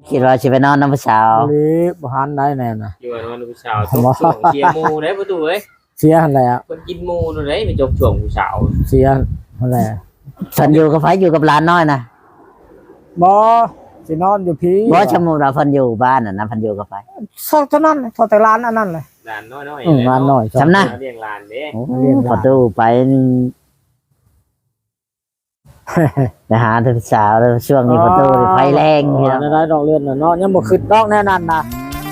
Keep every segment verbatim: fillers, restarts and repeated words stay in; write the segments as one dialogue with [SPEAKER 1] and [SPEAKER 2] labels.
[SPEAKER 1] คิดว่าสิไปนอนน้ำผู้สาว
[SPEAKER 2] หรือบ่หันได้แน่น่ะ
[SPEAKER 3] อยู่ว่านอนผู้สาวจกช่วงเชียร์หมู่ได้ประตูเอ้ย
[SPEAKER 2] เสียหั่นแหละ
[SPEAKER 3] คนกินหมู่นู่นได้ไปจกช่วงผู้สาว
[SPEAKER 2] เสียหั่นแหละ
[SPEAKER 1] ฉันอยู่กับไผอยู่กับหลานน้อยนะ
[SPEAKER 2] บ่สินอนอยู่พี่
[SPEAKER 1] บ่ชะมูเราเพิ่นอยู่บ้านน่ะนะเพิ่นอยู่กับไผ
[SPEAKER 2] ซอกเท่านั้นซอกแต่ร้านอันนั้นเลย
[SPEAKER 3] หลานน้อยๆ
[SPEAKER 2] อืมร้านน้อย
[SPEAKER 1] จำนะ
[SPEAKER 3] เลี้ยงหลานเด้
[SPEAKER 1] โอ้ประตูไปนี่ไปหาเธอสาวแล้วช่วงนี้ประตูนี่ไฟแรงพี่น้อง
[SPEAKER 2] ได้ดอกเลือนน่ะเนาะยังบ่ขึ้นดอกแน่นั่นน่ะ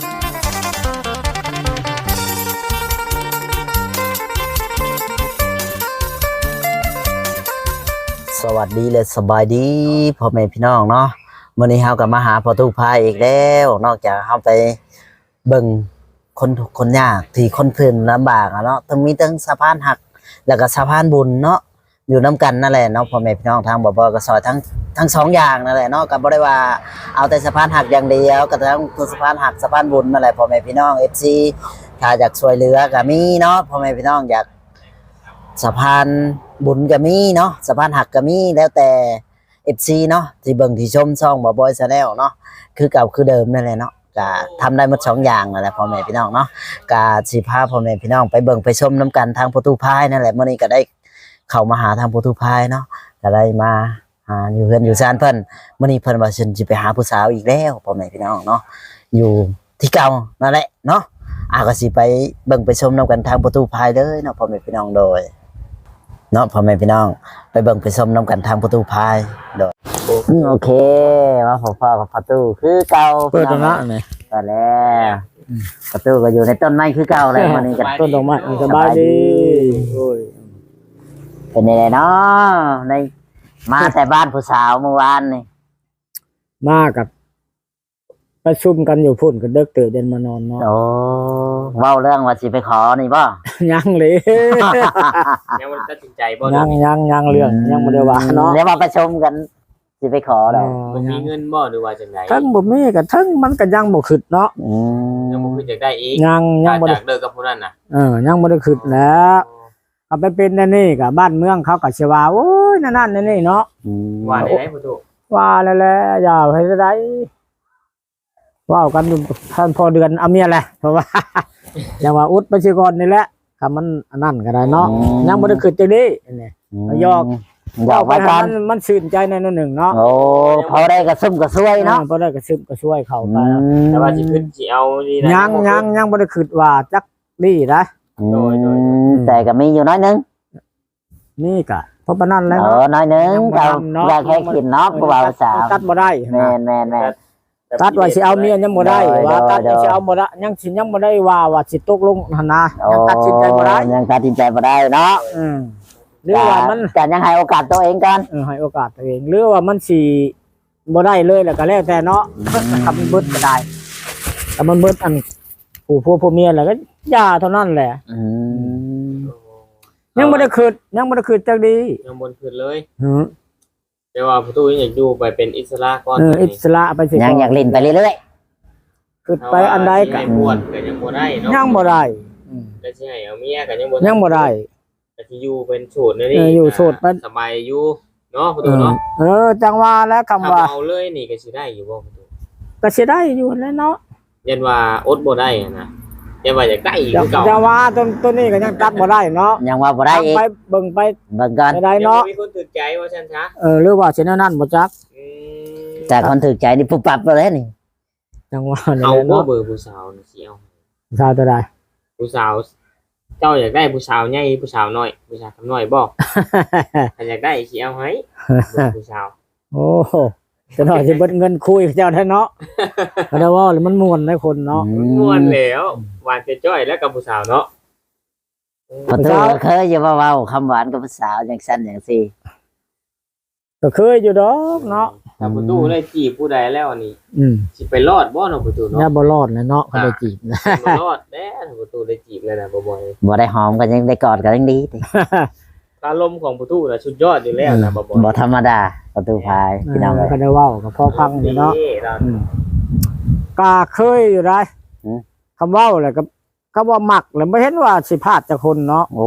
[SPEAKER 1] สวัสดีและสบายดีพ่อแม่พี่น้องเนาะมื้อนี้เฮาก็มาหาประตูพายอีกแล้วนอกจากเฮาไปเบิ่งคนทุกข์คนยากที่คนเพิ่นลำบากอะเนาะทั้งมีทั้งสะพานหักแล้วก็สะพานบุญเนาะอยู่นํกันนั่นแหละเนาะพ่อแม่พี่น้องทางบ่บ่ก็ซอยทั้งทั้งสองอย่างนั่นแหละเนาะก็บ่ได้ว่าเอาแต่สะพานหักอย่างเดียวก็ทั้งสะพานหักสะพานบุญนั่นแหละพ่อแม่พี่น้อง เอฟ ซี ถ้าอยากช่วยเหลือก็มีเนาะพ่อแม่พี่น้องอยากสะพานบุญก็มีเนาะสะพานหักก็มีแล้วแต่ เอฟ ซี เนาะที่เบิ่งที่ชมช่องบ่บอย Channel เนาะคือเก่าคือเดิมนั่นแหละเนาะก็ทำได้หมดสองอย่างนั่นแหละพ่อแม่พี่น้องเนาะก็สิพาพ่อแม่พี่น้องไปเบิ่งไปชมนํกันทางประตูพายนั่นแหละมื้อนี้ก็ได้เข้ามาหาทางประตูพายเนาะก็ได้มาหาอยู่เฮือนอยู่ศาลเพิ่นมื้อนี้เพิ่นว่าเพิ่นสิไปหาผู้สาวอีกแล้วพ่อแม่พี่น้องเนาะอยู่ที่เก่านั่นแหละเนาะอ่ะก็สิไปเบิ่งไปชมนํกันทางประตูพายเลยเนาะพ่อแม่พี่น้องโดยเนาะพ่อแม่พี่น้องไปเบิ่งไปชมนํกันทางประตูพายโดยโอเคมาพบพ่อกับประตูคือเก่า
[SPEAKER 2] เปิดแล้วนะนี่
[SPEAKER 1] เปิดแล้วประตูก็อยู่ในต้นไม้คือเก่าเลยวันนี้กัน
[SPEAKER 2] ต้นดอกไม้สบายดีโอ้ย
[SPEAKER 1] เป็นยังไงเนาะในมาแต่บ้านผู้สาวเมื่อวานนี่
[SPEAKER 2] มากับประชุมกันอยู่พุ่นก็เด็กตื่นเดินมานอนเนาะ
[SPEAKER 1] โอ้เว้าเรื่องว่าสิไปขอนี่บ่
[SPEAKER 2] ยังเลย
[SPEAKER 3] ยังมันตัดสินใจบ่
[SPEAKER 2] ยังยังยังเรื่องยังบ่ได้ว่าเนาะ
[SPEAKER 1] เดี๋ยวมาประชุมกันสิไปขอแล้ว
[SPEAKER 3] มันมีเงินบ่หรือว่าจังได๋
[SPEAKER 2] ทั้งบ่มีก็ทั้งมันก็ยังบ่ขึ้นเนาะ
[SPEAKER 1] อืม
[SPEAKER 3] ยังบ่คืออยากได้อีก
[SPEAKER 2] ยังยังบ่
[SPEAKER 3] จา
[SPEAKER 2] ได้
[SPEAKER 3] กเลิกกับผู้นั้นน่ะ
[SPEAKER 2] เออยังบ่ได้ขึ้นแล้วเอาไปเป็นนั่นนี่ก็บ้านเมืองเขาก็สิว่าโอ้ยนั่นนั่นนี่เนาะ
[SPEAKER 1] อืม
[SPEAKER 3] ว่าได้ไหนประตู
[SPEAKER 2] ว่าแล้วแหละอย่าให้ได้ว่ากันอยู่ท่านพอเดือนเอาเมียแหละเพราะว่า อย่างว่าอุดไปสิก่อนนี่แหละคำมันอันนั้นก็ได้เนาะยังบ่ได้ขึ้นจังนี้นี่ ยอก
[SPEAKER 1] หยอกไว้ก่อน
[SPEAKER 2] มันมันชื่นใจในนั้นหนึ่งเนาะ
[SPEAKER 1] โอ้พอได้กระซุ่มกระซวยเนาะ
[SPEAKER 2] พอได้ก็ซึมก็ช่วยเขาไป
[SPEAKER 3] แต่ว่าสิขึ้นสิเอานี่นะ
[SPEAKER 2] ยังยังยังบ่ได้คิดว่าจักนี่นะ
[SPEAKER 1] อืมแต่ก็มีอยู่น้อยนึง
[SPEAKER 2] นี่ก็เพราะปานนั้นแล้ว
[SPEAKER 1] เออน้อยนึงเราอยากแค่ขินเนาะผู้บ่าวสาว
[SPEAKER 2] ตัดบ่ได้
[SPEAKER 1] แม่นแม่นแม่น
[SPEAKER 2] ตัดว่าสิเอาเมียยังบ่ได้
[SPEAKER 1] ได้
[SPEAKER 2] ว่าตัด
[SPEAKER 1] ได้
[SPEAKER 2] สิเอาบ่ได้ยังสิยังบ่ได้ว่าว่าสิตกลงหั่นนะยังตัดสินใจบ่ได้
[SPEAKER 1] ยังตัดสินใจบ่ได้เนาะ
[SPEAKER 2] อืมหรือว่ามัน
[SPEAKER 1] แต่ยังให้โอกาสตัวเองกัน
[SPEAKER 2] เออให้โอกาสตัวเองหรือว่ามันสิบ่ได้เลยแล้วก็แล้วแต่เนาะทำมันเบิดก็ได้แต่มันเบิดอันผู้ผู้ผู้เมียแล้วก็ย่าเท่านั้นแหละ
[SPEAKER 1] อืม
[SPEAKER 2] ยังบ่ได้คิดยังบ่ได้คิดจักดี
[SPEAKER 3] ยังบนขึ้นเลย
[SPEAKER 2] หือ
[SPEAKER 3] แต่ว่าประตูยังอยากอยู่ไปเป็นอิสระก่อน
[SPEAKER 2] เอออิสระไปสิ
[SPEAKER 1] ยังอยากเล่นไปเรื่อย
[SPEAKER 2] คิดไปอันใดก็
[SPEAKER 3] ให้บวชก็ยังบ่ได้เนาะ
[SPEAKER 2] ยังบ่ได้อืม
[SPEAKER 3] แล้วสิให้เอาเมียก็ยังบ่
[SPEAKER 2] ยังบ่ได้
[SPEAKER 3] ก็สิอยู่เป็นโสดนั่นนี่
[SPEAKER 2] เอออยู่โสดมัน
[SPEAKER 3] สบายอยู่เนาะประ
[SPEAKER 2] เอ
[SPEAKER 3] ตู
[SPEAKER 2] อ
[SPEAKER 3] เนาะ
[SPEAKER 2] เออจังว่าแล้วคำ
[SPEAKER 3] ถ้า
[SPEAKER 2] ว่า
[SPEAKER 3] เอาเลยนี่ก็สิได้อยู่บ่ประตู
[SPEAKER 2] ก็สิได้อยู่แล้วเนาะ
[SPEAKER 3] ยันว่าอดบ่ได้อะนะยันว่าอยากได้อีก
[SPEAKER 2] จัง
[SPEAKER 3] คือเก่า
[SPEAKER 2] จังว่าต้นต้นนี้ก็ยังตัดบ่ได้เนาะ
[SPEAKER 1] ๆยังว่าบ่ได้อีก
[SPEAKER 2] ไปเบิ่งไป
[SPEAKER 1] เบิ่งก่อน
[SPEAKER 2] ไปได้
[SPEAKER 3] ยังบ่
[SPEAKER 2] เนาะ
[SPEAKER 3] มีคนตื่นใจว่าฉันซะ
[SPEAKER 2] เออหรือว่าสิแนวนั้นบ่จัก
[SPEAKER 3] อืม
[SPEAKER 1] แต่คนถูกใจนี่ปุ๊บปั๊บเลยนี่
[SPEAKER 2] จังว่านี่
[SPEAKER 3] เอา
[SPEAKER 2] แหละ
[SPEAKER 3] บ่
[SPEAKER 2] เนาะ
[SPEAKER 3] เบอร์ผู้สาวนี่สิเอา
[SPEAKER 2] ชาวตัวใด
[SPEAKER 3] ผู้สาว เจ้าอยากได้ผู้สาวใหญ่ผู้สาวน้อยผู้สาวคำน้อยบ่ถ้าอยากได้สิเอาให้เบอร์ผู้สาว
[SPEAKER 2] โอ้โหจะหน่อยสิเบิดเงินคุยกับเจ้าแท้เนาะก็ได้ว่าแล้วมันม่วนได้คนเนาะ
[SPEAKER 3] ม่วนแล้วหวานจะจ้อยแล้วกับผู้สาวเนาะ
[SPEAKER 1] พอตูเคยอย่ามาเว้าคำหวานกับผู้สาวอย่างสั้นอย่างซี่
[SPEAKER 2] ก็เคยอยู่ดอกเนาะ
[SPEAKER 3] ถ้าประตูได้จีบผู้ใดแล้วนี่
[SPEAKER 2] อืม
[SPEAKER 3] สิไปรอดบ่เนาะประตู
[SPEAKER 2] อย่า
[SPEAKER 3] เนาะ
[SPEAKER 2] บ่รอดเลยเนาะเขาได้จีบนะ
[SPEAKER 3] บ่รอดแน่ถ้าประตูได้จีบเลยนะบ่บ่อย
[SPEAKER 1] บ่ได้หอมกันยังได้กอดกันยังดีติ
[SPEAKER 3] อารมณ์ของประตูน่ะสุดยอดอยู่แล้วนะบ่บ่อย
[SPEAKER 1] บ่ธรรมดาประตูพายพี่น้องเอ้ย
[SPEAKER 2] ก็ได้เว้าก็พอพังอยู่เนาะ
[SPEAKER 3] เรา
[SPEAKER 2] อืมก็เคยอยู่ได้
[SPEAKER 1] อืม
[SPEAKER 2] คำเว้าแหละก็ก็ว่ามักแล้วบ่เห็นว่าสิพลาดจากคนเนาะ
[SPEAKER 1] โอ้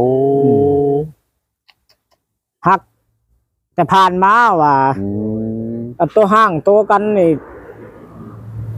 [SPEAKER 2] ฮัก แต่ผ่านมาว่า
[SPEAKER 1] อืม
[SPEAKER 2] อันตัวห้างตัวกันนี่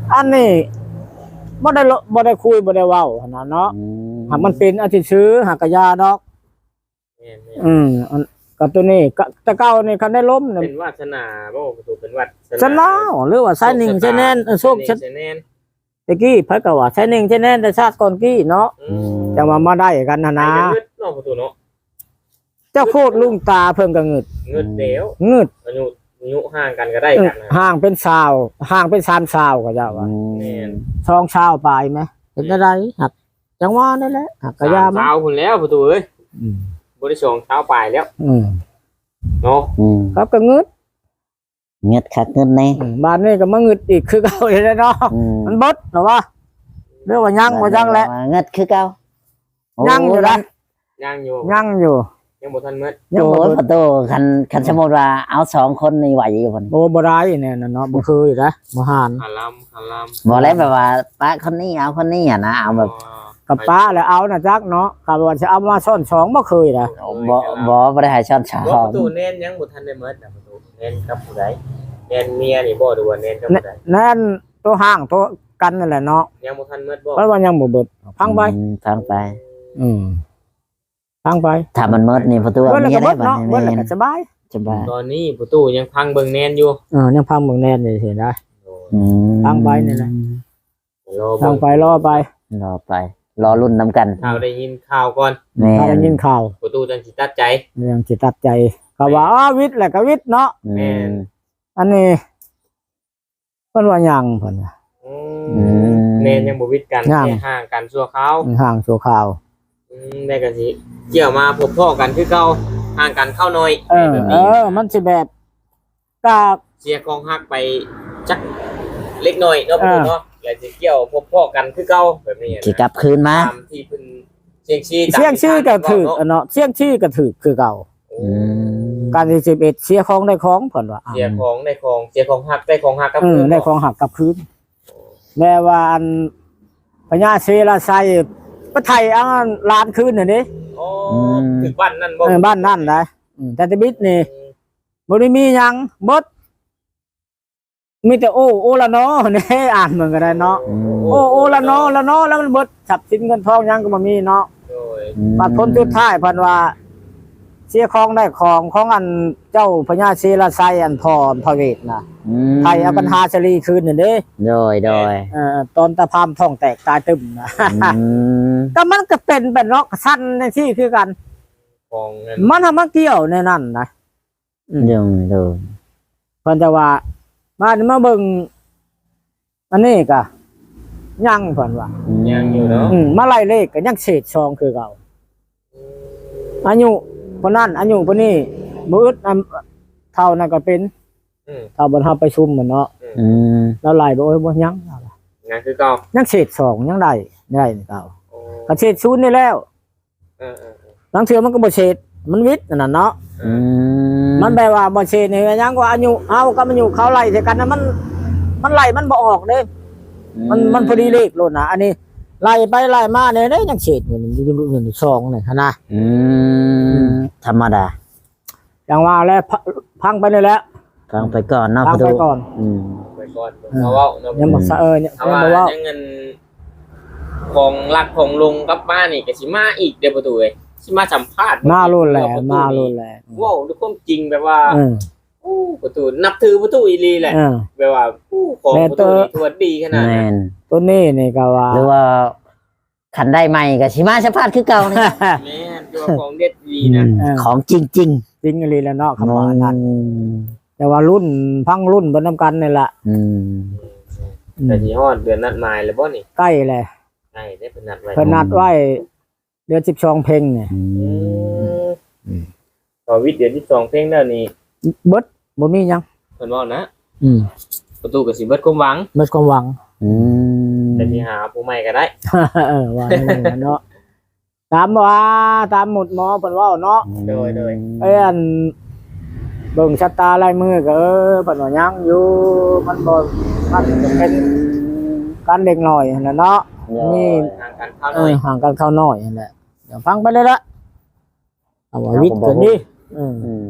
[SPEAKER 2] อันนี้บ่ได้บ่ได้คุยบ่ได้เว้าหั่นน่ะเนาะ
[SPEAKER 1] อืม
[SPEAKER 2] หากมันเป็นอาทิตย์ซื้อหากกะยาดอก
[SPEAKER 3] แม่น
[SPEAKER 2] อืมอันกับตัวนี้ก็แต่เก่านี่คันได้ล้ม
[SPEAKER 3] ๆ
[SPEAKER 2] เนี่ย
[SPEAKER 3] เป็นวาสนาบ่ประตูเป็นวัด
[SPEAKER 2] ชนะหรือว่าไซนิ่งใช่แน่นเออโชค
[SPEAKER 3] ช
[SPEAKER 2] ชัด
[SPEAKER 3] แน่น
[SPEAKER 2] ตะกี้เพิ่นก็ว่าไซนิ่งใช่แน่นแต่ชาติก่อนกี้เนาะ
[SPEAKER 3] อืม
[SPEAKER 2] จังว่ามาได้กันนะ
[SPEAKER 3] นะ
[SPEAKER 2] นะ
[SPEAKER 3] เงิดเนาะประตูเนาะ
[SPEAKER 2] เจ้าโคตรลุงตาเพิ่นก็งึด
[SPEAKER 3] เงิดเดียว
[SPEAKER 2] งึด
[SPEAKER 3] อายุอายุห่างกันก็ได้กันนะ
[SPEAKER 2] ห่างเป็นสาวห่างเป็นสามสาวก็เจ้าว่า
[SPEAKER 3] แม่น
[SPEAKER 2] สองสาวปลายไหมเห็นอะไรหักจังว่านั่นแหละหักกะยามัน
[SPEAKER 3] เช้าพุ่นแล้วประตูเอ้ย
[SPEAKER 2] อืม
[SPEAKER 3] บ่ได้สองเช้าปลายแล้ว
[SPEAKER 2] อืม
[SPEAKER 3] เนาะ
[SPEAKER 1] อืม
[SPEAKER 2] ครับก็งึด
[SPEAKER 1] เงียดคักเงินแน่
[SPEAKER 2] อืมบ้านนี้ก็มางึดอีกคือเก่าอยู่เลยเนาะ
[SPEAKER 1] อืม
[SPEAKER 2] มันบดเหรอวะเรื่องว่ายังว่ายังแหละ
[SPEAKER 1] เงิดคือเก่าโ
[SPEAKER 2] ยังอยู่นะ
[SPEAKER 3] ย่างอยู่
[SPEAKER 2] ยังอยู่
[SPEAKER 3] ยังบ่ทันเมื่อ
[SPEAKER 2] ยัง
[SPEAKER 1] โอ้
[SPEAKER 2] บ่
[SPEAKER 1] ย
[SPEAKER 2] เบิด
[SPEAKER 1] ประตูคันคันสมมุติว่าเอาสองคนนี่ไหวอยู่พุ่น
[SPEAKER 2] โอ้บ่ได้เนี่ยนะเนาะบ่เคยนะบ่หาน
[SPEAKER 3] คาลัมคาลัม
[SPEAKER 1] บ่แล้วแบบว่าป้าคนนี้เอาคนนี้อ่ะนะเอาแบบ
[SPEAKER 2] กับป้าแล้วเอานะจักเนาะกะว่าจะเอามาซ่อนสองบ่เคยนะ
[SPEAKER 1] บ่บ่บ่ได้ให้ช้อนชา
[SPEAKER 3] บ่
[SPEAKER 1] ว
[SPEAKER 3] ประตูเน้นยังบ่ทันได้เมื่อนะประตูเน้นกับผู้ใดเน้นเมียนี่บ่ดูว่าเน้นกับผู้ใด
[SPEAKER 2] นั่นตัวห้างตัวกันนั่นแหละเนาะ
[SPEAKER 3] ยังบ่ทันเมื่อบ่
[SPEAKER 2] เพราะว่ายังบ่เบิดพังไป
[SPEAKER 1] อืมฟังไป
[SPEAKER 2] อืมพังไป
[SPEAKER 1] ถ้ามันหมดนี่ประตู
[SPEAKER 2] เบิดแล้ว
[SPEAKER 1] มี
[SPEAKER 2] ก็
[SPEAKER 1] ได้
[SPEAKER 2] เบิด
[SPEAKER 1] บัด
[SPEAKER 2] เนาะเบิดแล้ว
[SPEAKER 1] นี้
[SPEAKER 2] ก็สบาย
[SPEAKER 1] สบาย
[SPEAKER 3] ตอนนี้ประตูยังพังเบิ่งแน่นอยู่
[SPEAKER 2] เออยังพังเมืองแน่นนี่สิได้
[SPEAKER 1] อืม
[SPEAKER 2] ฟังไปนี่แหละ
[SPEAKER 3] รอ
[SPEAKER 2] พั
[SPEAKER 3] เบิ่
[SPEAKER 2] ง
[SPEAKER 3] ง
[SPEAKER 2] ไปรอไป
[SPEAKER 1] รอไป รอรุ่นนํกัน
[SPEAKER 3] ข่าวได้ยินข่าวก่อน
[SPEAKER 1] แม่
[SPEAKER 2] ถ้าได้
[SPEAKER 1] น
[SPEAKER 2] ยินข่าว
[SPEAKER 3] ประตูจังสิตัดใจ
[SPEAKER 2] ยังสิตัดใจก็ว่าอ้าวิทย์แหละก็วิทย์เนาะ
[SPEAKER 3] แม่น
[SPEAKER 2] อันนี้เพิ่นว่ายังเพิ่นว่า
[SPEAKER 3] อืมแม่นยังบ่วิดกัน
[SPEAKER 2] ยัง
[SPEAKER 3] แค่ห่างกันชั่วคราว
[SPEAKER 2] ห่างชั่วคราว
[SPEAKER 3] อืมได้ก็สิเกี่ยวมาพบพ่อกันคือเก่าห่างกันเข้าหน่อย
[SPEAKER 2] เออ
[SPEAKER 3] แบบ
[SPEAKER 2] เอ
[SPEAKER 3] นี้
[SPEAKER 2] อ มันสิแบบกา
[SPEAKER 3] เสียกองฮักไปจักเล็กน้อยเนาะประตูเนาะแล้วสิเกี่ยวพบพ่อกันคือเก่าแบบนี้นะ
[SPEAKER 1] สิกลับคืนมา
[SPEAKER 3] ตามที่เพิ่นเสียงชี้
[SPEAKER 2] เสียงชื่อก็ถือเนาะเสียงชื่อก็ถือคือเก่า
[SPEAKER 1] อืม
[SPEAKER 2] การที่สิบเอ็ดเสียของได้ของเพิ่นว่า
[SPEAKER 3] เสียของได้ของเสียของฮักได้ของฮักกับ
[SPEAKER 2] เออ
[SPEAKER 3] เพิ่น
[SPEAKER 2] ได้ของหักกลับคืนแม่ว่าอันพญาเสลาไซปะไทยอันล้านคืนน่ะนี่
[SPEAKER 3] อ๋อถึงบ้านนั่นบ่
[SPEAKER 2] เออบ้านนั่นนะอืมแต่ตะบิดนี่บ่ได้มีหยังบดมีแต่โอ้โอละเนาะ นี่อ่านเหมือนกันได้เนาะ
[SPEAKER 1] อืม
[SPEAKER 2] โอ้โอละเนาะละเนาะแล้วมันเบิดทรัพย์สินเงินทองหยังก็บ่มีเนาะ
[SPEAKER 3] โดย
[SPEAKER 2] บัดพ้นสุดท้ายเพิ่นว่าเสียของได้ของของอันเจ้าพญาเสลาไซอันพ่อพระเวทน่ะ
[SPEAKER 1] อืม
[SPEAKER 2] ไทยเอาปัญหาชลีคืนนี่เด้
[SPEAKER 1] โดยโดย
[SPEAKER 2] เอ่อตอนตะพามท้องแตกตายตึมนะ
[SPEAKER 1] อืม
[SPEAKER 2] ก็มันก็เป็นแบบเนาะสั้นในที่คือกัน
[SPEAKER 3] ของเงิน
[SPEAKER 2] มันทำมาเกี่ยวในนั่นนะอืม
[SPEAKER 1] โดยโดย
[SPEAKER 2] เพิ่นจะว่ามานี่มาเบิ่งอันนี้ก็ยังเพิ่นว่า
[SPEAKER 3] ยังอยู่เนาะ
[SPEAKER 2] อืมมาไล่เลขก็ยังเศษซองคือเก่าอายุคนนั้นอายุคนนี้บ่อึดอันเท่านั้นก็เป็น
[SPEAKER 3] อืม
[SPEAKER 2] เท่าบ่เฮาไปชุมเหมือนเนาะ
[SPEAKER 1] อืม
[SPEAKER 2] แล้วไล่บ่โอ้ยบ่ยัง
[SPEAKER 3] งานคือเก่า
[SPEAKER 2] ยังเศษซองยังได้ได้เก่า
[SPEAKER 3] โอ้
[SPEAKER 2] ก็เศษศูนย์นี่แล้ว
[SPEAKER 3] เออเออเออ
[SPEAKER 2] หลังเทื่อมันก็บ่เศษมันวิทย์นั่นน่ะเนาะ
[SPEAKER 1] อืม
[SPEAKER 2] มันแปลว่าบ่เชนนี่ยังว่าอายุเฮากับอายุเขาไล่ใส่กันนะมัน มันไล่มันบ่ออกเด้มันมันพอดีเลขโลดนะอันนี้ไล่ไปไล่มาเนี่ยเด้ยังเฉดอยู่นี่อยู่อยู่สองนี่หั่นนะ
[SPEAKER 1] อืมธรรมดา
[SPEAKER 2] อย่างว่าแล้วพพังไปนี่แหละ
[SPEAKER 1] ฟังไปก่อนเนาะ
[SPEAKER 2] พัง
[SPEAKER 1] ประ
[SPEAKER 2] ไป
[SPEAKER 1] ตู
[SPEAKER 2] ก่อน
[SPEAKER 1] อืม
[SPEAKER 3] ไปก่อนเอาเว้าเนาะ
[SPEAKER 2] ยังบ่สะเออยัง
[SPEAKER 3] เอาว่า
[SPEAKER 2] บ่ว่า
[SPEAKER 3] ยังเงินของรักของลุงกับป้านี่ก็สิมาอีกเด้อประตูเอ้ยสิมาสัมภาษณ์
[SPEAKER 2] มาโลดแหละมาโลดแหละ
[SPEAKER 3] เว้าด้วยความจริงแบบว่า
[SPEAKER 2] เออ
[SPEAKER 3] โอ้ประตูนับถือประตูอีหลีแหละ
[SPEAKER 2] เออ
[SPEAKER 3] แบบว่าผู้ของ
[SPEAKER 2] แม่
[SPEAKER 3] ประ
[SPEAKER 2] เต
[SPEAKER 3] ตู
[SPEAKER 2] อ
[SPEAKER 3] นี่ทวดดีขนาด
[SPEAKER 1] แม่
[SPEAKER 3] นั้น
[SPEAKER 1] น
[SPEAKER 2] ตัวนี้นี่ก็ว่า
[SPEAKER 1] หรือว่าขันได้ใหม่ก็สิมาสะพาดคือเก่านี่
[SPEAKER 3] แม่นตัวของเด็ดดีนะ
[SPEAKER 2] เออ
[SPEAKER 1] ของจริง
[SPEAKER 2] จริงอีหลีแล้วเนาะ
[SPEAKER 1] ๆ
[SPEAKER 2] คำว่านั้น
[SPEAKER 1] อืม
[SPEAKER 2] แต่ว่ารุ่นพังรุ่นบ่นำกันนี่แหละ
[SPEAKER 1] อืม
[SPEAKER 2] อืม
[SPEAKER 3] แต่ที่ฮอดเดือนนัดหมายแล้วบ่นี่
[SPEAKER 2] ใกล้แหละ
[SPEAKER 3] ใช่ได้เป็นนัดไว้
[SPEAKER 2] เพิ่นนัดไว้เดือนสิบสองเพ็งเนี่ย
[SPEAKER 1] อื
[SPEAKER 3] อื
[SPEAKER 1] ม
[SPEAKER 3] มต่อวิทย์เดือนที่สองเพลงแล้วนี่
[SPEAKER 2] เบิดบ่มีหยัง
[SPEAKER 3] เพิ่นว่านะ
[SPEAKER 2] อืม
[SPEAKER 3] ประตูก็สิเบิดความหวัง
[SPEAKER 2] เบิดความหวัง
[SPEAKER 1] อืม
[SPEAKER 3] แต่ที่หาผู้ใหม่ก็ได้
[SPEAKER 2] เออว่าอย่างนั้นเนาะตามว่าตามหมุดหมอเพิ่นเว้าเนาะ
[SPEAKER 3] โดยโดย
[SPEAKER 2] เอ้ยอันเบิ่งชะตาลายมือก็เออเพิ่นว่ายังอยู่มันบ่มันจะเป็นการเด็กน้อยนั่นแหละเนาะนี่
[SPEAKER 3] ทางการเข้าห
[SPEAKER 2] เอ
[SPEAKER 3] น่อ
[SPEAKER 2] อย ห่างกันเข้าน้อยนั่นแหละเดี๋ยวฟังไปเลยละเอาว่าวิทย์กันดิอืม
[SPEAKER 1] อืม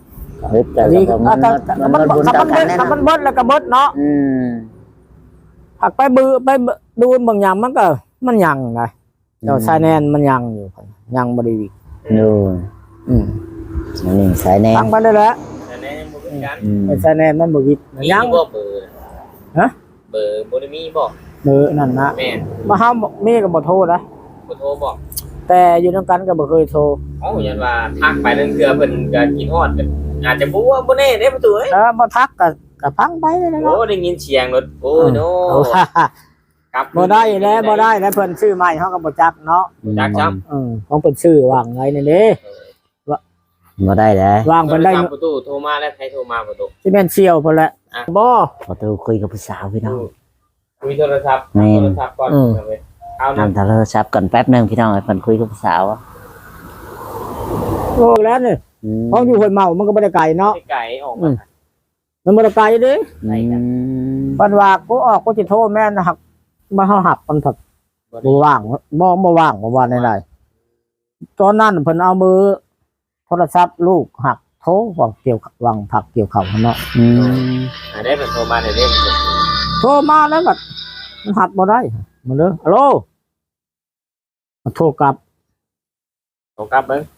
[SPEAKER 1] เฮ้ยแต่
[SPEAKER 2] ดี
[SPEAKER 1] ก็
[SPEAKER 2] อ่ะ
[SPEAKER 1] มัน
[SPEAKER 2] แต่แต่
[SPEAKER 1] มัน
[SPEAKER 2] มัน
[SPEAKER 1] บุญ
[SPEAKER 2] ถ้า
[SPEAKER 1] ต่อ
[SPEAKER 2] มัน
[SPEAKER 1] กัน
[SPEAKER 2] เบิด
[SPEAKER 1] แน่
[SPEAKER 2] ถ้ามัน
[SPEAKER 1] นอน
[SPEAKER 2] เบิดแล้วก็เบิดเนาะ
[SPEAKER 1] อืม
[SPEAKER 2] ผักไปบือไปดูบางอย่างมันก็มันยังไงเจ้าชายแนนมันยังอยู่ยังบริวิ
[SPEAKER 1] ดู
[SPEAKER 2] อืม
[SPEAKER 1] อันนี้สายแน
[SPEAKER 2] ตั้
[SPEAKER 1] น
[SPEAKER 2] งไปได้แล้ว
[SPEAKER 3] แต่แน่ยังบ่เป็นกัน
[SPEAKER 1] อืม
[SPEAKER 2] ไอ้ชายแนนมันบริวิ
[SPEAKER 3] มี
[SPEAKER 2] ยัง
[SPEAKER 3] บ่เบอร์
[SPEAKER 2] ฮะ
[SPEAKER 3] เบอร์บ่ได้มีบ่
[SPEAKER 2] เบอร์นั่นนะ
[SPEAKER 3] แม่น
[SPEAKER 2] มาห้ามมีก็บ่โทรนะ
[SPEAKER 3] บ่โทรบอก
[SPEAKER 2] แต่อยู่นํกันก็บ่เคยโทร
[SPEAKER 3] เอ้ายันว่าทักไปนั่นคือเพิ่นก็กินฮอดกันอาจจะบ่ว่าบ่แน่เด้ประตูเอ้ย
[SPEAKER 2] เออบ่ทักก็ก็พังไปเลยนะ
[SPEAKER 3] โอ้ได้ยินเสียงรถโอ้ยโน
[SPEAKER 2] เอาว่า
[SPEAKER 3] กลับ
[SPEAKER 2] บ่ได้แล้วบ่ได้แล้วเพิ่นซื้อใหม่เฮาก็บ่จักเนาะ
[SPEAKER 3] จักจัง
[SPEAKER 2] อือของเพิ่นซื้อวางไว้นี่เด้
[SPEAKER 1] บ่ได้แล้ว
[SPEAKER 2] วางเพิ่นได้
[SPEAKER 3] ประตูโทรมาแล้วใครโทรมาประตู
[SPEAKER 2] สิแม่นเชี่ยวเพิ่นแหละ
[SPEAKER 3] อ่ะ
[SPEAKER 2] บ่
[SPEAKER 1] พอตูคุยกับผู้สาวพี่น้อง
[SPEAKER 3] คุยโทรศัพท์
[SPEAKER 1] แม่น
[SPEAKER 3] โทรศัพท์ก่อน
[SPEAKER 2] อืม
[SPEAKER 3] เอาไว้เอา
[SPEAKER 1] นำโทรศัพท์ก่อนแป๊บหนึงพี่น้องให้เพิ่นคุยกับผู้สาว
[SPEAKER 2] โอ้แล้วนี่
[SPEAKER 1] อืม
[SPEAKER 2] ห้องอยู่ห้วยเมามันก็บ่ได้ไกลเนาะ
[SPEAKER 3] ไก่ออก
[SPEAKER 2] อื
[SPEAKER 3] มาม
[SPEAKER 2] มันบ่ได้ไกลเด้
[SPEAKER 3] ไหนกัน
[SPEAKER 2] ปันว่ากูออกกูสิโทรแม่นหักมาเฮาหักมันถักบ่ว่างบ่บ่ว่างบ่ว่าได้ตอนนั้นเพิ่นเอามือโทรศัพท์ลูกหักโทรวางเกี่ยววางผักเกี่ยวข้าวเนาะ
[SPEAKER 1] อืม
[SPEAKER 3] อ่าได้เป็นโทรมาได้ได้เป็น
[SPEAKER 2] โทรมาแล้วก็มันหักบ่ได้มันเด้อฮัลโหลมาโทรกลับ
[SPEAKER 3] โทรกลับเบิ่ง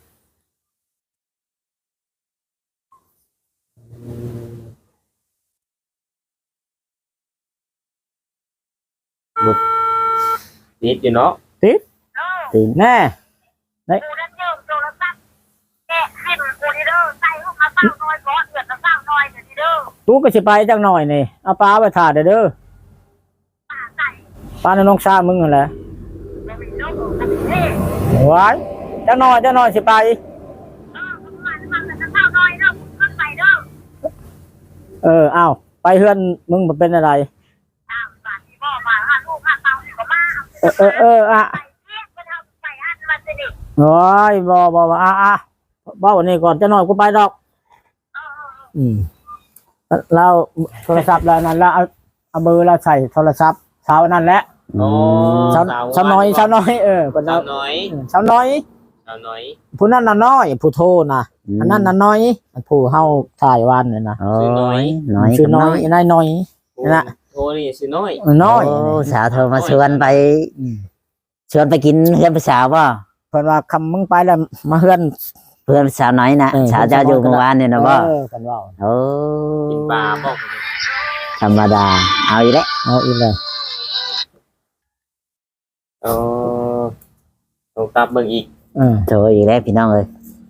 [SPEAKER 3] ติดอยู่เนาะ
[SPEAKER 2] ตีแน่
[SPEAKER 4] กูนั่นเยอะโทรศัพท์แกะให้มันกูนี่เด้อใส่เข้ามาเศร้าน้อยก้อนเดือดละเศร้าน้อยเดี๋ยวนี้เด้อ
[SPEAKER 2] กูก็สิไปจักหน่อยนี่เอาปลาไปถ่าเด้อเด้อ
[SPEAKER 4] ป้าใส่
[SPEAKER 2] ปลาในน้องชามึงนั่นแหละ
[SPEAKER 4] ไม่มีเด้อแต่เท่
[SPEAKER 2] ไว้จักหน่อยจักหน่อยสิไป
[SPEAKER 4] เออมันมันมันจะเศร้าน้อยเด้อขึ้นไปเด้อ
[SPEAKER 2] เอออ้าวไปเฮือนมึงบ่เป็นอะไร
[SPEAKER 4] อ้าวบาทที่บ่มาห้าลูกห้าเตานี่ก็มา
[SPEAKER 2] เออเออเอออ่ะ
[SPEAKER 4] ใส่เทียบก็ทำใส่อันมันจะดิ
[SPEAKER 2] โอ้ยบ่บ่บ่อ่ะอ่ะเบ้าวันนี้ก่อนจะหน่อยกูไปดอก
[SPEAKER 4] เออ
[SPEAKER 2] อืมเราโทรศัพท์แล้วนั่นแล้วเอาเอาเบอร์เราใส่โทรศัพท์เช้านั่นแหละ
[SPEAKER 3] โอ้
[SPEAKER 2] เช้าเช้าน้อยเช้าน้อยเออคน
[SPEAKER 3] สา
[SPEAKER 2] เรา
[SPEAKER 3] วน้อย
[SPEAKER 2] เช้าน้อย
[SPEAKER 3] สาวน้อย
[SPEAKER 2] ผู้นั้นน่ะน้อยผู้โทรนะอันนั้นน่ะน้อยผู้เฮาถ่ายวันเนี่ยนะ
[SPEAKER 1] โอ้ยน้อย
[SPEAKER 2] ชื่อ
[SPEAKER 1] กับ
[SPEAKER 2] น้
[SPEAKER 1] น้
[SPEAKER 2] อ
[SPEAKER 1] อย ย
[SPEAKER 2] นายน้อย น่ะ
[SPEAKER 3] โทรนี่สิน้อย
[SPEAKER 2] เออน้อย
[SPEAKER 1] โสาวโทรมาชวนไปชวนไปกินเพื่อนผู้สาวป่ะ
[SPEAKER 2] เพิ่นว่าคำมึงไปแล้วมาเฮือน
[SPEAKER 1] เพื่อนสาวน้อยนะ
[SPEAKER 2] เออ
[SPEAKER 1] สาวเจ้าอยู่เมื่อวานเนี่ยนะป่ะ
[SPEAKER 2] เออเพิ่นว่า
[SPEAKER 1] โอ้
[SPEAKER 3] กินปลาบอก
[SPEAKER 1] ธรรมดาเอาอีกแล้ว
[SPEAKER 2] เอาอีกเลย
[SPEAKER 3] เออโทรกลับเบิ่งอีก
[SPEAKER 2] เออ
[SPEAKER 1] โทรอีกแล้วพี่น้องเอ้ย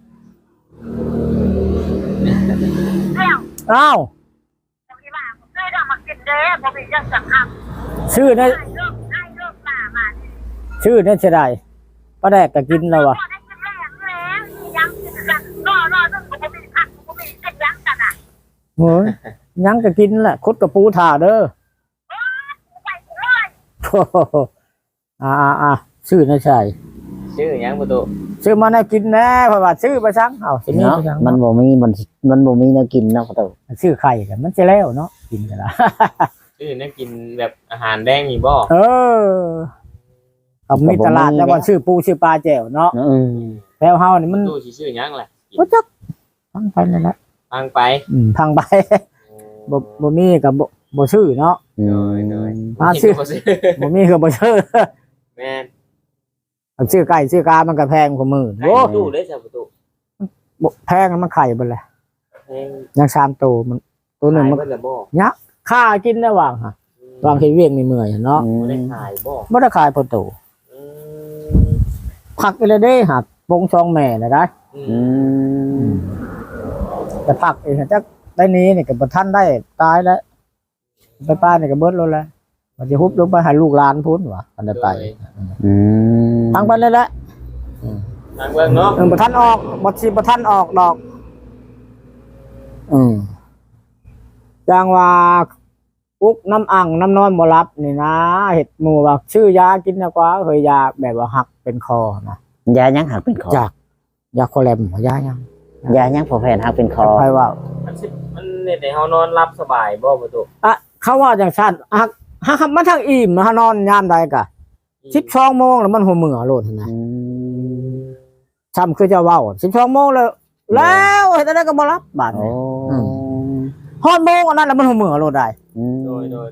[SPEAKER 4] แล้ว
[SPEAKER 2] อ้าว
[SPEAKER 4] ผมคิดว่าผมเคยได้มากินเด้อผมมีเรื่องสังคับ
[SPEAKER 2] ชื่อนั่น
[SPEAKER 4] ได้เลิกได้เลิกป่ามาดิ
[SPEAKER 2] ชื่อนั่นสิได้ป้าแดกก็กินแล้วว่ะ
[SPEAKER 4] ได้กินแรงแล้วยังกินกันรอรอเรื่องผมมีผักผมมีเส้นยังกันอ่ะ
[SPEAKER 2] โอ้ยยังก็กินแหละคุดกับปูถ่าเด้อ
[SPEAKER 4] ไปเลย
[SPEAKER 2] โอ้โหอ่าอ่าอ่าชื่อนั่นใช่
[SPEAKER 3] ชื่อหยังประตู
[SPEAKER 2] ชื่อมาให้กินแน่เพราะว่าชื่อไปซังเอาสิมี
[SPEAKER 1] เนาะ
[SPEAKER 2] ไปซัง
[SPEAKER 1] มันบ่มีมันมันบ่มีแนวกินเนาะประตู
[SPEAKER 2] ชื่อไข่กันมันจะแล้วเนาะกินกันละ
[SPEAKER 3] ชื่อนั่นกินแบบอาหารแดงมีบ่
[SPEAKER 2] เออเอามีตลาดแล้วว่าชื่อปูชื่อปลาแจ่วเนาะ
[SPEAKER 1] อืม
[SPEAKER 2] แล้วเฮานี่มัน
[SPEAKER 3] ตู้สิชื่อหยังล่ะกิน
[SPEAKER 2] บ่จักพังไปนั่นแหละ
[SPEAKER 3] ฟังไป
[SPEAKER 2] อืมพังไปบ่บ่มีกับบ่บ่ชื่อเนาะ
[SPEAKER 1] อื
[SPEAKER 3] โด
[SPEAKER 1] ม
[SPEAKER 3] ยโดย
[SPEAKER 2] อ่าชื่อ
[SPEAKER 3] บ่ชื่อ
[SPEAKER 2] บ่มีก็บ่ชื่อ
[SPEAKER 3] แม่น
[SPEAKER 2] เอาชื่อไก่ชื่อกามันก็แพงกว่ามื้อ
[SPEAKER 3] โอ้
[SPEAKER 2] โอ้
[SPEAKER 3] ตู้เลยจ้ะประตู
[SPEAKER 2] บ่แพงมันไข่เบิดแหละ
[SPEAKER 3] แพง
[SPEAKER 2] ยังสามตัวมันตัวหนึง
[SPEAKER 3] ขาย
[SPEAKER 2] มัน
[SPEAKER 3] เบิ่ละบ่
[SPEAKER 2] ค่ากินได้ว่างฮะวางเฮ็ดเวียงนี่เมื่อยเนาะ
[SPEAKER 1] อื
[SPEAKER 3] บ่ได้
[SPEAKER 1] ม
[SPEAKER 3] ขายบ่
[SPEAKER 2] บ่ได้ขายพอโต
[SPEAKER 3] อืม
[SPEAKER 2] ผักอีเลยเด้หักปงซองแม่น่ะได้
[SPEAKER 3] อื
[SPEAKER 1] อื
[SPEAKER 3] ม
[SPEAKER 1] ม
[SPEAKER 2] แต่ผักเองจักได้นี้นี่ก็บ่ทันได้ตายแล้วไปป้านี่ก็เบิดแล้วแหละมันจะฮุบลงไปให้ลูกหลานพุ่นว่ะอันได้ไป
[SPEAKER 1] อืม
[SPEAKER 2] ทางไปเลยแหละ
[SPEAKER 3] ทางเบิ่งเนาะ
[SPEAKER 2] เออบ่ทันออกบ่สิบ่ทันออกดอกอืมจางว่าอุกน้ำอ่างน้ำนอนบ่รับนี่นะเห็ดหมู่ว่าชื่อยากินนะกว่าเคยยาแบบว่าหักเป็นคอนะ
[SPEAKER 1] ยายังหักเป็นคอ
[SPEAKER 2] จากยาโคแลมยายัง
[SPEAKER 1] ยายังพอแผ่นหักเป็นคอ
[SPEAKER 2] ใครว่า
[SPEAKER 3] มันสิมันเฮ็ดให้เฮานอนหลับสบายบ่ประตู
[SPEAKER 2] อ่ะเขาว่าจังซั่นหักหักมันทั้งอิ่มมานอนยามใดกะสิบสองโมงแล้วมันหัวมือโลดนะ
[SPEAKER 1] อืม
[SPEAKER 2] ซ้ำคือจะเว้าสิบสองโมงแล้วแล้วเฮ็ดอะไรก็บ่รับบาด
[SPEAKER 1] โอ้
[SPEAKER 2] นี้ฮอดโมงอันนั้นแล้วมันหัวมือโลดได้
[SPEAKER 1] อืม
[SPEAKER 3] โดยโดยโดย
[SPEAKER 2] โ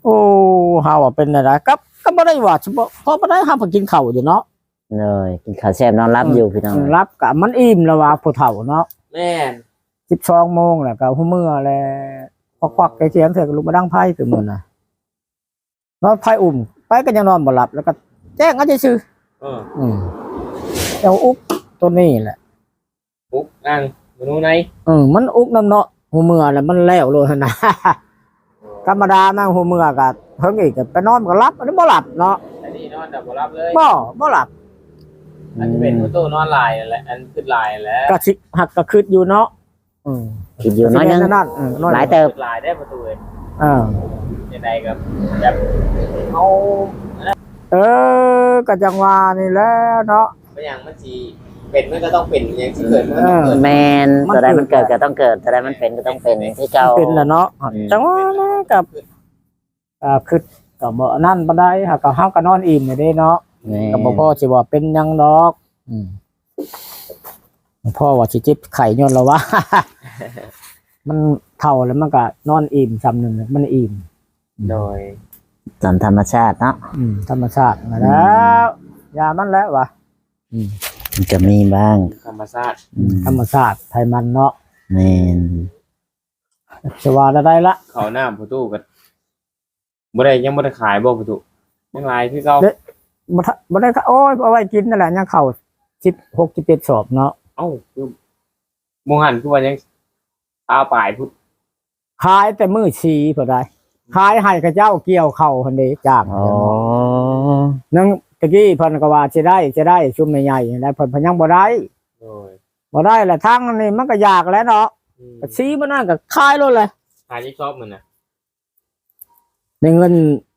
[SPEAKER 2] โอ้เฮาอะเป็นอะไรกับก็บ่ได้ว่าเฉพาะเพราะบ่ได้เฮาก็กินข้าวอยู่เนาะ
[SPEAKER 1] เลยกินข้าวแซ่บนอนรับอยู่พี่น้อง
[SPEAKER 2] รับกะมันอิ่มแล้วว่าผู้เฒ่าเนาะ
[SPEAKER 3] แม่น
[SPEAKER 2] สิบสองโมงแล้วก็หัวมื้อแล้วควักๆไกเสียงเถอะก็ลุกมาดังไพ่คือมื้อน่ะนอนไพ่อุ่มไปก็ยังนอนบ่หลับแล้วก็แจ้งเอาซื่อ
[SPEAKER 3] เออ
[SPEAKER 2] ๆอืมเจ้าอุกตัวนี้แหละ
[SPEAKER 3] ปุ๊บนั่งมนูไหน
[SPEAKER 2] อืมมันอุกน้ำเนาะหัวมื้อแล้วมันแล้วเลยหั่นน่ะ ธรรมดานั่งหัวมื้อก็เฮิงอีกก็ไปนอนก็หลับอันนี้บ่หลับเนาะ
[SPEAKER 3] อันนี้นอนแต่บ่รับเลย
[SPEAKER 2] บ่บ่หลับ
[SPEAKER 3] อันจะเป็นประตูนอนลายนั่นแหละอันขึ้นลายนั่นแหล้ว
[SPEAKER 2] ก็สิหักก็คิดอยู่เนาะอืม
[SPEAKER 1] คิดอยู่น้อยนึง
[SPEAKER 2] นั่นอืมน้อย
[SPEAKER 1] หลายเติบ
[SPEAKER 3] ลายได้ประตูเลย
[SPEAKER 2] เออ
[SPEAKER 3] ยังไงกับแบบเอา
[SPEAKER 2] เออก็จังว่านี่แหล้วเนาะ
[SPEAKER 3] ไม่อย่างมันสีเป็นมันก็ต้องเป็นอย่างที่เกิดมันก็ต้องเกิด
[SPEAKER 1] แมน
[SPEAKER 2] มัน
[SPEAKER 1] ตัวใด
[SPEAKER 2] เกิด
[SPEAKER 1] มันเกิดก็ต้องเกิดตัวใดมันเป็นก็ต้องเป็นที่เก่า
[SPEAKER 2] เป็นแหละเนาะ
[SPEAKER 1] อืม
[SPEAKER 2] จังว่านะกับอ่าคือก็บ่นั่นบ่ได้หากก็เฮาก็นอนอิ่มนี่เด้เนาะ
[SPEAKER 1] แม่น
[SPEAKER 2] ก็บ่พอสิว่าเป็นหยังดอกอืมพ่อว่าสิเจ็บไข้ย้อนแล้ววะ มันเฒ่าแล้วมันก็นอนอิ่มซ้ำนึงมันอิ่ม
[SPEAKER 3] โดย
[SPEAKER 1] ตามธรรมชาติเนาะ
[SPEAKER 2] อืมธรรมชาติมาแล้วยามันแล้ววะอืม
[SPEAKER 1] มันจะมีบ้าง
[SPEAKER 3] ธรรมชาติ
[SPEAKER 1] อืม
[SPEAKER 2] ธรรมชาติไทยมันเนาะ
[SPEAKER 1] แมน
[SPEAKER 2] จะว่าได้ละ
[SPEAKER 3] เขาหน้าประตูกันบ่ได้ยังบ่ได้ขายบ่ประตูยังลายคือเก่า
[SPEAKER 2] บ่ทะบ่ได้ก็โอ้ยเอาไว้กินนั่นแหละยังเข้าสิบหก สิบเจ็ดสอบเนาะ
[SPEAKER 3] เอ้าคือมองหันคือว่ายังเอาปลายพุทธ
[SPEAKER 2] ขายแต่มื้อชีพอได้ขายให้กับเจ้าเกี่ยวเข้าหั่นเด้จ้าง
[SPEAKER 1] อ๋อ
[SPEAKER 2] นึงตะกี้เพิ่นก็ว่าสิได้สิได้ชุมใหญ่ๆได้เพิ่นเพิ่นยังบ่ได้
[SPEAKER 3] โดย
[SPEAKER 2] บ่ได้แหละทางนี้มันก็ยากแล้วเนาะ
[SPEAKER 3] อืม
[SPEAKER 2] ก็ชีมันนั่นก็ขายโลดเลย
[SPEAKER 3] ขายที่ชอบมันน่ะ
[SPEAKER 2] ได้เงิน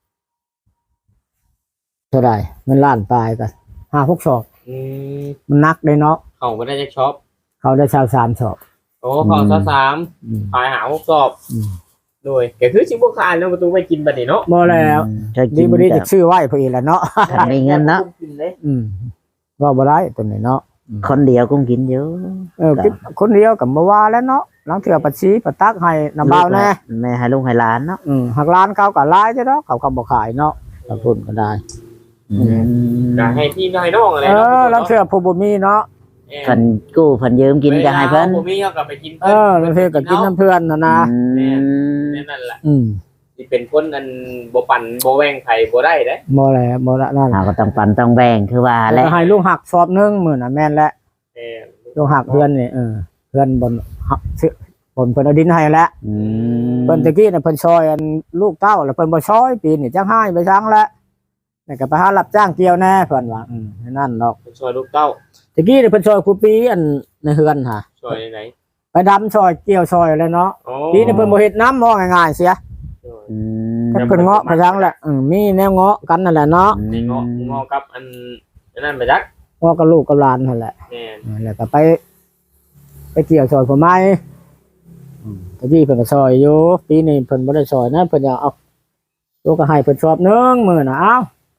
[SPEAKER 2] เท่าไหร่เงินล้านปลายก็ห้า หกสอบ
[SPEAKER 3] อืม
[SPEAKER 2] มันหนักเลยเนาะ
[SPEAKER 3] เขาบ่ได้จะช็อป
[SPEAKER 2] เขาได้ชาวสามสอบ
[SPEAKER 3] โอ้เขาซะสาม
[SPEAKER 2] อืม
[SPEAKER 3] ขายหาหกสอบ
[SPEAKER 2] อืม
[SPEAKER 3] โดยก็คือสิบ่ขายแล้วประตูไปกินบัดนี้เนาะ
[SPEAKER 2] บ่แล้ว
[SPEAKER 1] จะ
[SPEAKER 2] ดี
[SPEAKER 1] กิน
[SPEAKER 2] บ่ดี
[SPEAKER 1] กั
[SPEAKER 2] จะชื่อไว้เพิ่นอีกแหล้วเนาะ
[SPEAKER 1] บมีเงินเนาะ
[SPEAKER 3] กินเลย
[SPEAKER 2] อืมว่าบ่ได้ตัวนี้เนาะ
[SPEAKER 1] คนเดียวกุ้งกินเยอะ
[SPEAKER 2] เออคิดคนเดียวก็บ่ว่าแล้วเนาะหลังเทื่อปัดชีปัดตักให้น้ำเบาแน่
[SPEAKER 1] แม่ให้ลุงให้หลานเนาะ
[SPEAKER 2] อืมหักร้านเขาก็หลายเด้อเนาะเขาก็บ่ขายเนาะก็ทุนก็ได้
[SPEAKER 1] อืม
[SPEAKER 3] ก็ให้พี่ให้น้องอะไร
[SPEAKER 2] เอ
[SPEAKER 3] เนาะ
[SPEAKER 2] อหลังเทื่อผู้บ่มีเนาะ
[SPEAKER 1] เพิ่นกู้เพิ่นยืมกินก็ให้เพิ่น
[SPEAKER 3] ผมมีเขาก็ไปกิน
[SPEAKER 2] เออหลังเทื่อก็กินน้ำเพื่อนน่ะนะ
[SPEAKER 1] อืม
[SPEAKER 3] นั่นแหละ
[SPEAKER 2] อืม
[SPEAKER 3] ที่เป็นคนอันบ่ปั่นบ่แว่งไผบ่ได้เด้
[SPEAKER 2] บ่แลบ่ละนั่น
[SPEAKER 1] เราก็ต้องปันต้องแบ่งคือว่าแหละ
[SPEAKER 2] แล้วให้ลูกหักสอบหนึงมื้อน่ะแม่นแล้ว
[SPEAKER 3] เออ
[SPEAKER 2] ลูกหักเพื่อนนี่เออเพื่อนบนหักซื้อบนเพิ่นเอาดินให้แล้ว
[SPEAKER 1] อืม
[SPEAKER 2] เพิ่นตะกี้น่ะเพิ่นซอยอันลูกเต้าแล้วเพิ่นบ่ซอยปีนี่จังให้ไปซังแล้วแล้วก็ไปหารับจ้างเกี่ยวแน่เพิ่นว่าอืมนั่นดอก
[SPEAKER 3] ช่วยลูกเต้า
[SPEAKER 2] ตะกี้นี่เพิ่นซอยครูปีอันในเฮือนหา
[SPEAKER 3] ช่วยไหน
[SPEAKER 2] ไปดำซอยเกี่ยวซอยแล้วเนาะ
[SPEAKER 3] โอ้
[SPEAKER 2] ปีนี้เพิ่นบ่เฮ็ดน้ำมองง่ายๆเสีย
[SPEAKER 1] อืม
[SPEAKER 2] แต่เพิ่นเงาะไปซังแหละอืมมีแนวเงาะกันนั่นแหละเนาะ
[SPEAKER 3] นี่งองอกับอันนั่นไปจัก
[SPEAKER 2] เงาะกับลูกกับหลานนั่นแหละ
[SPEAKER 3] แม่น
[SPEAKER 2] อืมแล้วก็ไป ไปเกี่ยวซอยผมไม้อืมตะกี้เพิ่นก็ซอยอยู่ปีนี้เพิ่นบ่ได้ซอยนะเพิ่นอยากเอาลูกก็ให้เพิ่นชอบหนึงมื้อน่ะเอ้า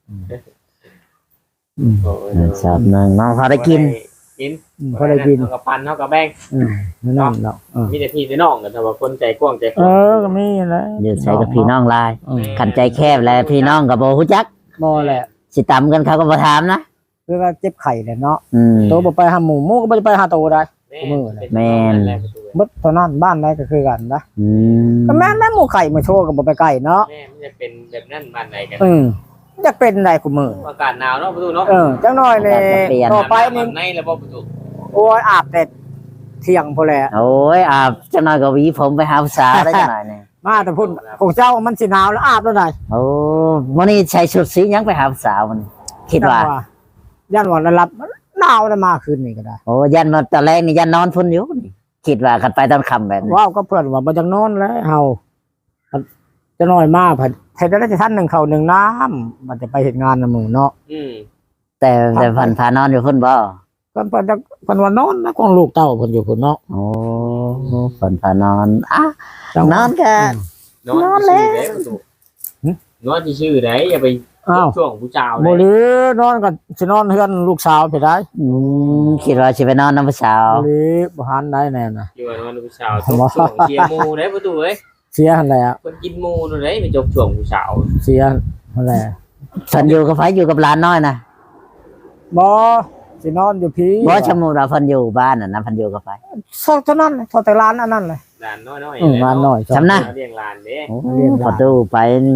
[SPEAKER 2] อืม
[SPEAKER 3] โอ้ย
[SPEAKER 1] ชอบหนึงน้องพอได้กิน
[SPEAKER 3] กิน
[SPEAKER 2] อืมพอได้กิน
[SPEAKER 3] เฮากับปันเฮากับแบ่ง
[SPEAKER 2] อืมนั่นนั่นดอกเออ
[SPEAKER 3] มีแต่พี่แต่น้องกันแต่ว่าคนใจกว้างใจ
[SPEAKER 2] เออก็มีแหละ
[SPEAKER 1] อยู่ใช้กับพี่น้องหลาย
[SPEAKER 2] อืม
[SPEAKER 1] ขันใจแคบแล้วพี่น้องก็บ่ฮู้จัก
[SPEAKER 2] บ่แหละ
[SPEAKER 1] สิตำกันเขาก็บ่ถามนะ
[SPEAKER 2] คือว่าเจ็บไข้แหละเนาะ
[SPEAKER 1] อืม
[SPEAKER 2] โตบ่ไปหาหมู่หมู่ก็บ่ได้ไปหาโตได้
[SPEAKER 1] แม่น
[SPEAKER 2] เบิดเท่านั้นบ้านใดก็คือกันนะ
[SPEAKER 1] อืม
[SPEAKER 2] ก็แม่นแล้วหมู่ไข่มาโชว์ก็บ่ไปใกล้เนาะ
[SPEAKER 3] แม่มันจะเป็นแบบนั้นบ้านไหนกัน
[SPEAKER 2] อืมจะเป็นได้กูมื้อ
[SPEAKER 3] อากาศหนาวเนาะประตูเนาะ
[SPEAKER 2] เออจังน้อยนี่ต่อไปนี่
[SPEAKER 3] ในแล้วบ่ประตู
[SPEAKER 2] โอ้ยอาบแต่เที่ยงพุ่นแหละ
[SPEAKER 1] โอ้ยอาบจังหน่อยก็หวีผมไปหาผู้สาวได้จังหน่อยนี่
[SPEAKER 2] มาแต่พุ่นของเจ้ามันสิหนาวแล้วอาบแล้วได้
[SPEAKER 1] โอ้มื้อนี้ใส่ชุดสีหยังไปหาผู้สาวมันคิดว่า
[SPEAKER 2] ย่านวันระลับหนาวแล้วมาคืนนี้ก็ได้
[SPEAKER 1] โอ้ยันมาตอนแรกนี่ยันนอนพุ่นอยู่นี่คิดว่ากันไปตอนค่ำแบบนี้
[SPEAKER 2] ว้าวก็เพื่อนว่าบ่จังนอนแล้วเฮาจะน้อยมากเพิ่นเฮ็ดได้จะท่านหนึ่งข้าวหนึ่งน้ำมันจะไปเฮ็ดงานนำหมู่เนาะ
[SPEAKER 3] อืม
[SPEAKER 1] แต่แต่เพันพานอนอยู่พุ่นบ่
[SPEAKER 2] เพิ่นเพิ่นจะเพิ่นว่านอนนะของลูกเต้าเพิ่นอยู่พุ่นเนาะ
[SPEAKER 1] โอ้เพันพานอนอ่ะ
[SPEAKER 2] จัง
[SPEAKER 1] นอนกัน
[SPEAKER 3] นอนที่ชื่อได้ประตูนอนที่ชื่อได้อย่าไป
[SPEAKER 2] อ้าว
[SPEAKER 3] ช่วงผู้ชาว
[SPEAKER 2] บ่
[SPEAKER 3] เลย
[SPEAKER 2] หรือนอนก็สินอนเฮือนลูกสาวไปได้
[SPEAKER 1] อืมคิดว่าสิไปนอนน้ำผู้สาว
[SPEAKER 2] บ่หรือบ่หันได้แน่น่ะ
[SPEAKER 3] อยู่ว่านอนผู้ชาวช่วงเชียร์มูได้ประตูเอ้ย
[SPEAKER 2] เสียหั่นแหละ
[SPEAKER 3] คนกินหมูนู่นเลยไปจกช่วงผู้สาว
[SPEAKER 2] เสียหั่นแหละ
[SPEAKER 1] เพิ่นอยู่กับไผอยู่กับหลานน้อยนะ
[SPEAKER 2] บ่สินอนอยู่พี่
[SPEAKER 1] บ่สมมุติว่าเพิ่นอยู่บ้านน่ะนะเพิ่นอยู่กับไผ
[SPEAKER 2] ซอกเท่านั้นเท่าแต่ร้านอันนั้นเลย
[SPEAKER 3] หลานน้อยๆ
[SPEAKER 2] อืมร้านน้อย
[SPEAKER 1] จำนะ
[SPEAKER 3] เลี้ยงหลานเด้
[SPEAKER 1] โอ้พอตู้ไปนี่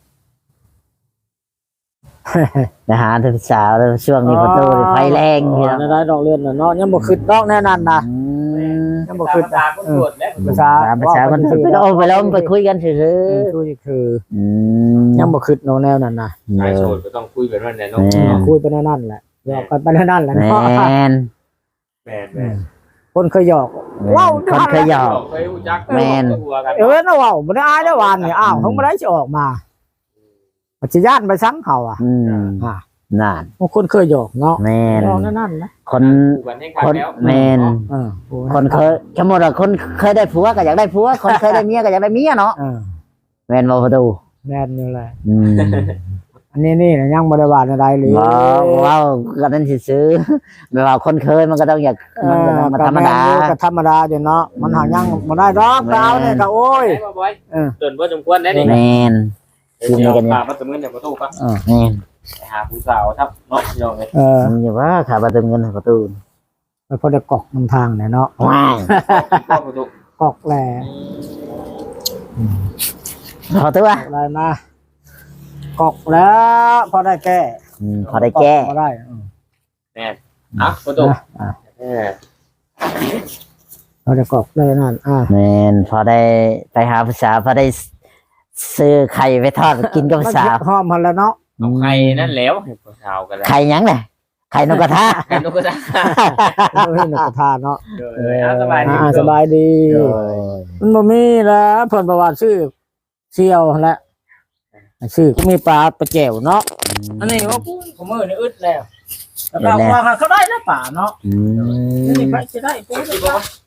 [SPEAKER 1] ไปหาเธอสาวแล้วช่วงนี้พอตู้นี่ไฟแรงพี่น้อง
[SPEAKER 2] ได้ดอกเรือนน่ะเนาะยังบ่คิดดอกแน่นั่นนะ
[SPEAKER 1] อืม
[SPEAKER 2] ยังบ่คิด
[SPEAKER 3] ตาคนตรวจแล้ว
[SPEAKER 2] ภาษา
[SPEAKER 1] ตามภาษาคนไปแล้วไปแล้วไปคุยกันเฉย
[SPEAKER 2] เออคุยคือ
[SPEAKER 1] ๆอืม
[SPEAKER 2] ยังบ่คิดเนาะแนวนั้นน่ะ
[SPEAKER 3] ชายโสดก็ต้องคุยแบบนั้นแหละเนาะ
[SPEAKER 1] แม่
[SPEAKER 2] คุยไปแนวนั้นแหละหยอกกันไปแนวนั้นแหละ
[SPEAKER 1] แม
[SPEAKER 2] เนาะ
[SPEAKER 1] น
[SPEAKER 3] แม่แม่
[SPEAKER 2] คนเคยหยอก ว้าว
[SPEAKER 1] คนเคยหยอก
[SPEAKER 3] เคยรู้จัก
[SPEAKER 1] แม่น
[SPEAKER 3] ตัวกัน
[SPEAKER 2] เออนะว้าวบ่ได้อายได้วานนี่อ้าวเพิ่งบ่ได้สิออกมาปัจจุบันไปซังเขาอ่ะ
[SPEAKER 1] อืม
[SPEAKER 2] อ่า
[SPEAKER 1] นั่น
[SPEAKER 2] บางคนเคยหยอกเนาะ
[SPEAKER 1] แมน
[SPEAKER 2] หยอกนั่นนั่นนะ
[SPEAKER 1] คน
[SPEAKER 3] คู่กันให้ขาด
[SPEAKER 1] คน
[SPEAKER 3] แล้ว
[SPEAKER 1] แมน
[SPEAKER 2] เออ
[SPEAKER 1] คนเคยสมมติว่าคนเคยได้ผัวก็อยากได้ผัว คนเคยได้เมียก็อยากได้เมียเนาะ
[SPEAKER 2] เออ
[SPEAKER 1] แมนบ่ประตู
[SPEAKER 2] แม่นอยู่แหละ
[SPEAKER 1] อืม
[SPEAKER 2] อันนี้นี่นะยังบ่ได้ว่าอะไรเลย
[SPEAKER 1] ว้าวว้าวก็นั่นสิซื้อแบบว่าคนเคยมันก็ต้องอยาก
[SPEAKER 2] เอ
[SPEAKER 1] มัน
[SPEAKER 2] อ
[SPEAKER 1] ก็ต้องมาธรรมดา
[SPEAKER 2] ก็ธรรมดาอยู่เนาะมันหายังบ่ได้ดอก
[SPEAKER 1] แม่น
[SPEAKER 2] ดาวเนี่ยก็โอ้ย
[SPEAKER 3] ได้บ่บ่อย
[SPEAKER 2] เออ
[SPEAKER 3] จนบ่สมควรได้นี่
[SPEAKER 1] แมน
[SPEAKER 3] เดี๋ยวเอาพามาตะมื้อเนี่ยประตูครับ
[SPEAKER 1] แมน
[SPEAKER 3] ไปหาผู้สาวครับเนาะพี่น้องเอ้ย
[SPEAKER 2] เออ
[SPEAKER 1] มันอยู่ว่าขาประตูเงินให้ประตู
[SPEAKER 2] ไปพอได้กอกนำทางเนี่ยเนาะ
[SPEAKER 1] ว้าว
[SPEAKER 3] เข้าประตู
[SPEAKER 2] กอกแหล่
[SPEAKER 1] ขอตัว
[SPEAKER 2] อะไรมากอกแล้วพอได้แก้
[SPEAKER 1] อืมพอได้แก้
[SPEAKER 2] พอได้อืม
[SPEAKER 3] แม่นอ่ะประตู
[SPEAKER 2] นะอ่ะ
[SPEAKER 3] เออ
[SPEAKER 2] พอได้กอกได้นั่นอ่ะ
[SPEAKER 1] แมนพอได้ไปหาภาษาวพอได้ซื้อไข่ไปทอดกินกับภาษาว
[SPEAKER 2] หอมมันแล้วเนาะ
[SPEAKER 3] เอาใครนั่นแล้วให้ผู้สาวกันแล้ว
[SPEAKER 1] ไข่หยังเนี่ยไข่นกกระทะ
[SPEAKER 3] ใครนกก็ได้
[SPEAKER 2] เออนักกระทานเนาะ
[SPEAKER 3] เออเอาสบายดี
[SPEAKER 2] อ่าสบายดี มันบ่มีแล้วเพิ่นประวัติชื่อเสี่ยวแหละชื่อก็มีปลาปลาแจ่วเนาะอันนี้ว่าพูดของมือนี่อึดแล้วแล้วก็ว่าเขาได้แล้วป่าเนาะ
[SPEAKER 1] อืม
[SPEAKER 2] นี่ไปสิได้ปุ๊บ